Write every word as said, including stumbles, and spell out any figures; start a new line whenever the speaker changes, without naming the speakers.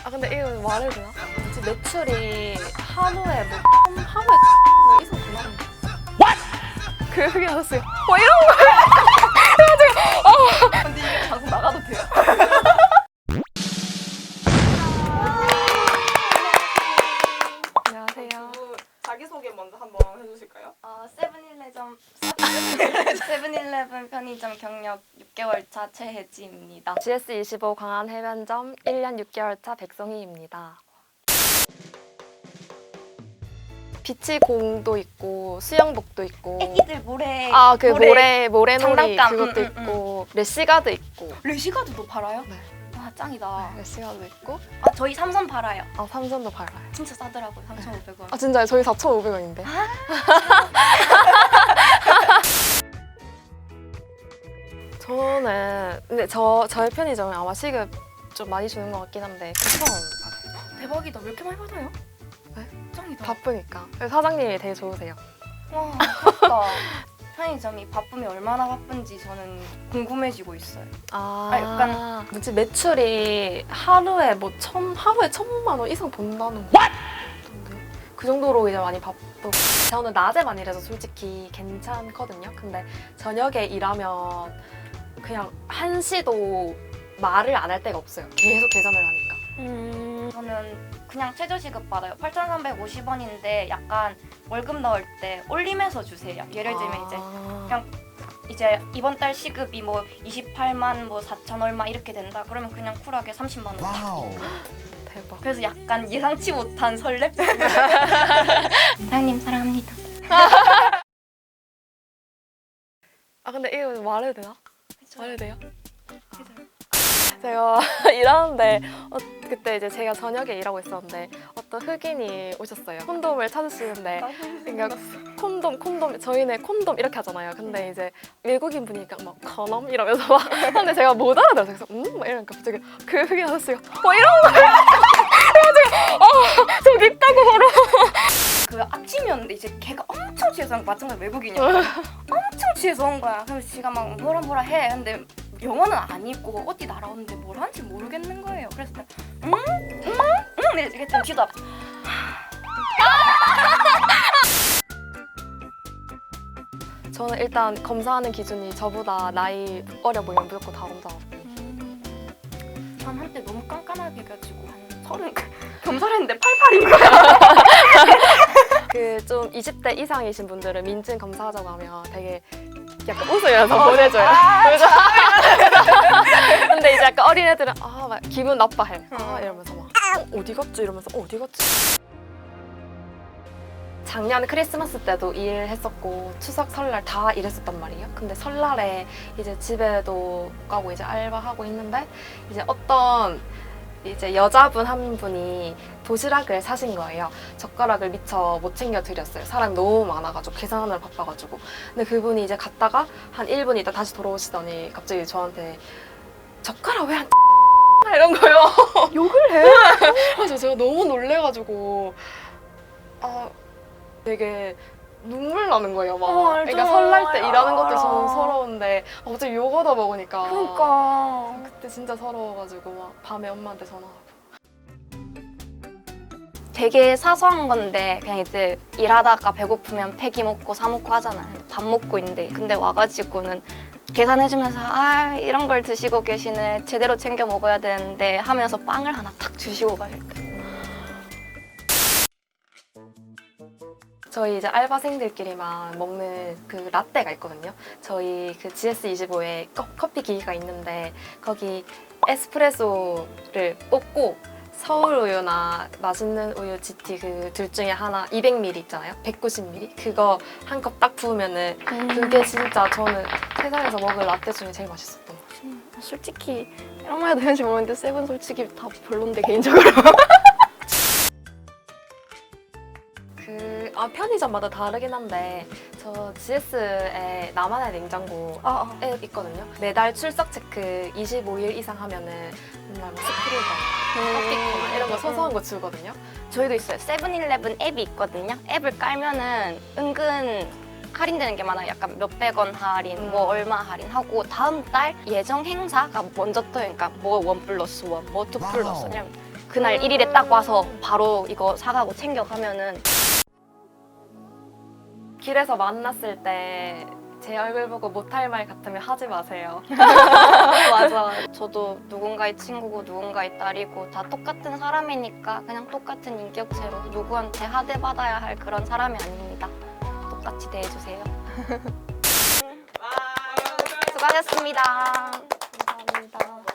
아 근데 이거 말해도 되나? 뭐지 매출이 하루에 뭐 천, 하루에 뭐 이상 더 나오는 What? 그 얘기 나왔어요. 뭐 이런 거 해가지고 어.
근데 이게 방송 나가도 돼요?
안녕하세요.
자기소개 먼저 한번 해주실까요?
어, 세븐일레븐 세븐일레븐 편의점 경력 육 개월 차 최혜지입니다.
지에스 이십오 광안 해변점 일 년 육 개월 차 백송희입니다. 비치공도 있고 수영복도 있고
애기들 모래
아 그
모래,
모래 모래놀이
장난감.
그것도
음, 음,
있고 레시가드 있고
레시가드도 팔아요?
네.
와 짱이다.
레시가드 있고
아 저희 삼선 팔아요.
아 삼선도 팔아요.
진짜 싸더라고요. 삼천오백 원.
아 진짜요? 저희 사천오백 원인데. 저는 근데 저 저의 편의점은 아마 시급 좀 많이 주는 것 같긴 한데 구천 원 받아요.
대박이다. 왜 이렇게 많이 받아요?
네?
짱이다.
바쁘니까. 그래서 사장님이 되게 좋으세요.
와 부럽다. 편의점이 바쁘면 얼마나 바쁜지 저는 궁금해지고 있어요.
아,
아, 약간-
뭐지 매출이 하루에 뭐 천 하루에 천만 원 이상 번다는 거. 같던데. 그 정도로 이제 많이 바쁘고 저는 낮에만 일해서 솔직히 괜찮거든요. 근데 저녁에 일하면 그냥 한시도 말을 안 할 데가 없어요. 계속 계산을 하니까.
음, 저는 그냥 최저시급 받아요. 팔천삼백오십 원인데 약간 월급 넣을 때 올리면서 주세요. 예를 들면 이제
아.
그냥 이제 이번 달 시급이 뭐 이십팔만 뭐 사천 얼마 이렇게 된다. 그러면 그냥 쿨하게 삼십만 원.
와우.
대박.
그래서 약간 예상치 못한 설렘? 사장님 사랑합니다.
아 근데 이거 말해도 되나? 말해도 돼요? 제가 일하는데 어, 그때 이제 제가 저녁에 일하고 있었는데 어떤 흑인이 오셨어요. 콘돔을 찾으시는데 그러니까 콘돔 콘돔 저희는 콘돔 이렇게 하잖아요. 근데 이제 외국인 분이니까 막 커넘 이러면서 막 하는데 제가 못 알아들어서 그래서 음? 막 이러니까 갑자기 그 흑인 아저씨가 뭐 이런 거 그래가지고 어 저기 있다고 바로
그 아침이었는데 이제 걔가 엄청 취해서 온 거야. 마찬가지 외국인이야. 엄청 취해서 온 거야. 그래서 지가 막 뭐라 뭐라 해. 근데 영어는 안 읽고 어디 날아오는데 뭘 하는지 모르겠는 거예요. 그래서 내가 응? 응? 응? 이랬더니 그랬더니 뒤도 앞
저는 일단 검사하는 기준이 저보다 나이 어려 보이면 무조건 다 검사하고
전 한때 너무 깐깐하게 해가지고 한 서른 검사를 했는데 팔팔인 거야.
그 좀 이십 대 이상이신 분들은 민증 검사하자고 하면 되게 약간 웃으면서 보내줘요. 그래서 근데 이제 약간 어린애들은 아, 막 기분 나빠해. 아, 이러면서 막 어, 어디 갔지? 이러면서 어, 어디 갔지? 작년 크리스마스 때도 일했었고 추석 설날 다 일했었단 말이에요. 근데 설날에 이제 집에도 가고 이제 알바하고 있는데 이제 어떤 이제 여자분 한 분이 도시락을 사신 거예요. 젓가락을 미처 못 챙겨 드렸어요. 사람이 너무 많아가지고 계산하느라 바빠가지고. 근데 그분이 이제 갔다가 한 일 분 있다 다시 돌아오시더니 갑자기 저한테 젓가락 왜 안 이런 거요. 욕을 해. 그래서 제가 너무 놀래가지고 아 되게 눈물 나는 거예요. 막.
어, 알죠.
그러니까 설날 때 일하는 것도
알아.
저는 서러운데 아, 갑자기 욕 얻어 먹으니까.
그러니까
그때 진짜 서러워가지고 막 밤에 엄마한테 전화하고.
되게 사소한 건데 그냥 이제 일하다가 배고프면 폐기 먹고 사 먹고 하잖아요. 밥 먹고 있는데 근데 와가지고는 계산해주면서 아 이런 걸 드시고 계시네 제대로 챙겨 먹어야 되는데 하면서 빵을 하나 탁 주시고 가실 때
저희 이제 알바생들끼리만 먹는 그 라떼가 있거든요. 저희 그 지에스 이십오에 커피 기기가 있는데 거기 에스프레소를 뽑고 서울 우유나 맛있는 우유 지티 그 둘 중에 하나 이백 밀리리터 있잖아요. 백구십 밀리리터 그거 한 컵 딱 부으면은 그게 진짜 저는 세상에서 먹을 라떼 중에 제일 맛있었던 것 같아요.
솔직히 이런 말 해도 되는지 모르겠는데 세븐 솔직히 다 별론데 개인적으로
그, 아, 편의점마다 다르긴 한데 저 지에스에 나만의 냉장고
아, 아.
앱 있거든요. 매달 출석 체크 이십오 일 이상 하면은 맨날 뭐 스프링거, 커피코나 이런 거 소소한 거 주거든요.
저희도 있어요. 세븐일레븐 앱이 있거든요. 앱을 깔면은 은근 할인되는 게 많아요. 약간 몇백 원 할인,
음.
뭐 얼마 할인하고 다음 달 예정 행사가 먼저 떠요. 그러니까 뭐 원 플러스 원, 뭐 투 플러스 원.
와우.
그날 일 일에 딱 와서 바로 이거 사가고 챙겨가면은
길에서 만났을 때 제 얼굴 보고 못할 말 같으면 하지 마세요.
맞아. 저도 누군가의 친구고 누군가의 딸이고 다 똑같은 사람이니까 그냥 똑같은 인격체로 누구한테 하대받아야 할 그런 사람이 아닙니다. 똑같이 대해주세요.
와,
수고하셨습니다. 감사합니다.